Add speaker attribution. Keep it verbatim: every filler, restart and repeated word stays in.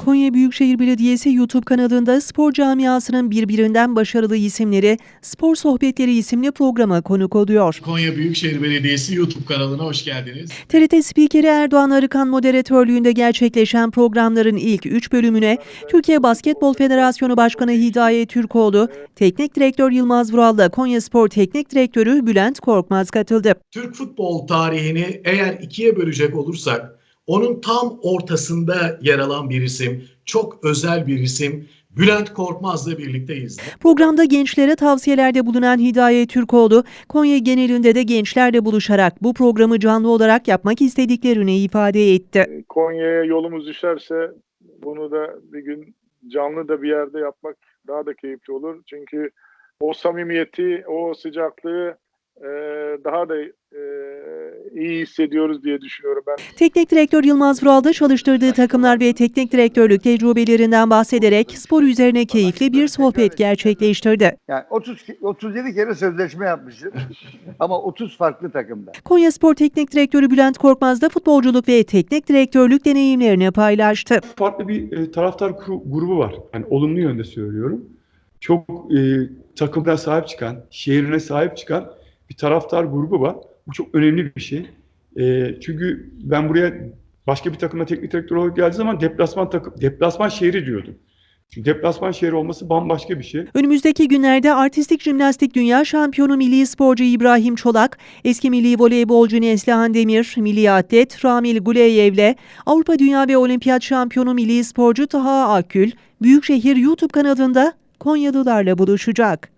Speaker 1: Konya Büyükşehir Belediyesi YouTube kanalında spor camiasının birbirinden başarılı isimleri Spor Sohbetleri isimli programa konuk oluyor.
Speaker 2: Konya Büyükşehir Belediyesi YouTube kanalına hoş geldiniz.
Speaker 1: T R T spikeri Erdoğan Arıkan moderatörlüğünde gerçekleşen programların ilk üç bölümüne Türkiye Basketbol Federasyonu Başkanı Hidayet Türkoğlu, Teknik Direktör Yılmaz Vural'la Konyaspor Teknik Direktörü Bülent Korkmaz katıldı.
Speaker 2: Türk futbol tarihini eğer ikiye bölecek olursak, onun tam ortasında yer alan bir isim, çok özel bir isim, Bülent Korkmaz'la birlikteyiz.
Speaker 1: Programda gençlere tavsiyelerde bulunan Hidayet Türkoğlu, Konya genelinde de gençlerle buluşarak bu programı canlı olarak yapmak istediklerini ifade etti.
Speaker 3: Konya'ya yolumuz düşerse bunu da bir gün canlı da bir yerde yapmak daha da keyifli olur. Çünkü o samimiyeti, o sıcaklığı e, daha da e, iyi hissediyoruz diye düşünüyorum ben.
Speaker 1: Teknik direktör Yılmaz Vural'da çalıştırdığı takımlar ve teknik direktörlük tecrübelerinden bahsederek spor üzerine keyifli bir sohbet gerçekleştirdi.
Speaker 4: Yani otuz otuz yedi kere sözleşme yapmışım ama otuz farklı takımda.
Speaker 1: Konyaspor Teknik Direktörü Bülent Korkmaz da futbolculuk ve teknik direktörlük deneyimlerini paylaştı.
Speaker 5: Farklı bir e, taraftar grubu var. Yani olumlu yönde söylüyorum. Çok e, takımına sahip çıkan, şehrine sahip çıkan bir taraftar grubu var. Bu çok önemli bir şey. E, çünkü ben buraya başka bir takıma teknik direktör olarak geldiği zaman deplasman takım, deplasman şehri diyordum. Çünkü deplasman şehri olması bambaşka bir şey.
Speaker 1: Önümüzdeki günlerde artistik jimnastik dünya şampiyonu milli sporcu İbrahim Çolak, eski milli voleybolcu Neslihan Demir, milli atlet Ramil Guleyev'le Avrupa Dünya ve Olimpiyat şampiyonu milli sporcu Taha Akgül, Büyükşehir YouTube kanalında Konyalılarla buluşacak.